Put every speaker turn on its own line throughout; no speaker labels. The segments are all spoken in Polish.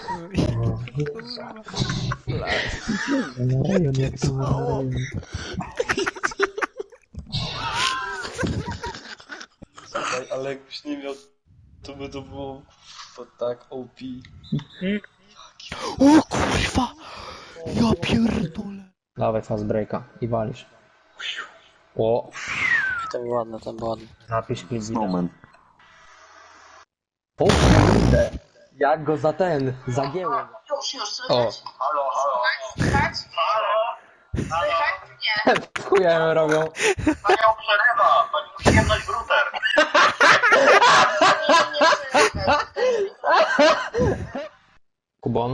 Na rejon, jak to na rejon.
Słuchaj, ale jakbyś nie miał, to by to było tak OP.
O kurwa! Ja pierdolę.
Dawaj fast breaka i walisz. O,
To było ładne, to było ładne.
napisz klip wideo.
Snowman.
O kurde, jak go zagięło.
Już, słychać?
O,
Słychać? Słychać? Nie.
chujem robią.
Panią przerywa, pani musi jemnąć w router.
Nie słychać.
Kubon.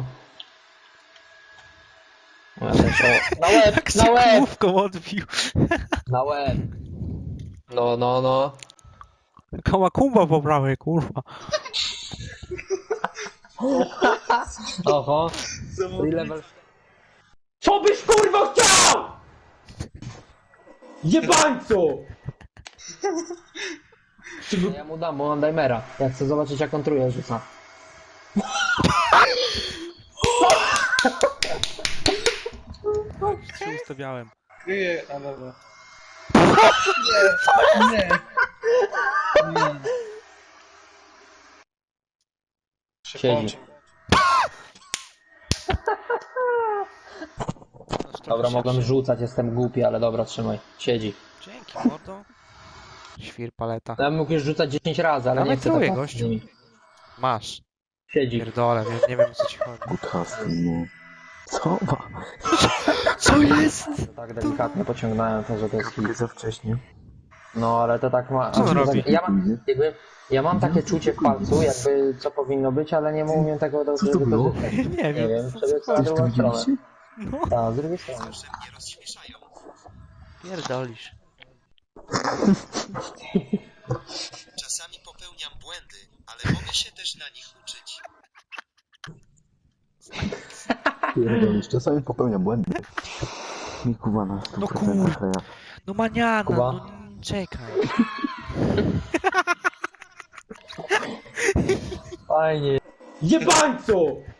O, ja też, o, na łeb,
Jak
na
się
łeb,
główką odbił.
na łeb. No, no, no.
Kałakumba po prawej, kurwa.
Oho. Free level. Co byś kurwa chciał? Jebańcu! Ja mu dam, bo mam dimera. Ja chcę zobaczyć jak on truje rzuca.
Się ustawiałem.
Kryję, a dobra.
Siedzi. Dobra, mogłem rzucać, jestem głupi, ale dobra, trzymaj. Siedzi.
Dzięki, mordo. Świr paleta.
Ja mógł już rzucać 10 razy, ale
Ale
nie chcę
truje,
tak
gościu.
z nimi.
Masz.
Siedzi.
Pierdolę, nie wiem o co ci chodzi.
Podcast, no. Co ma?
Co jest?
Tak delikatnie pociągnąłem to, że to jest hit.
Za wcześnie.
No, ale to tak ma...
Co on
to
robi?
Tak, ja mam takie czucie w palcu, jakby co powinno być, ale nie umiem tego do
Co to było?
wykorzystać.
Nie
Nie wiem,
co
przebieg na
chodzi.
drugą stronę.
No,
Tak, z drugiej strony.
pierdolisz.
Czasami popełniam błędy, ale mogę się też na nich uczyć.
Pierdolisz, czasami popełniam błędy. Mi kuba na 100%
No kur-
kleja.
No maniana,
Kuba?
no czekaj.
Fajnie. Jebańcu!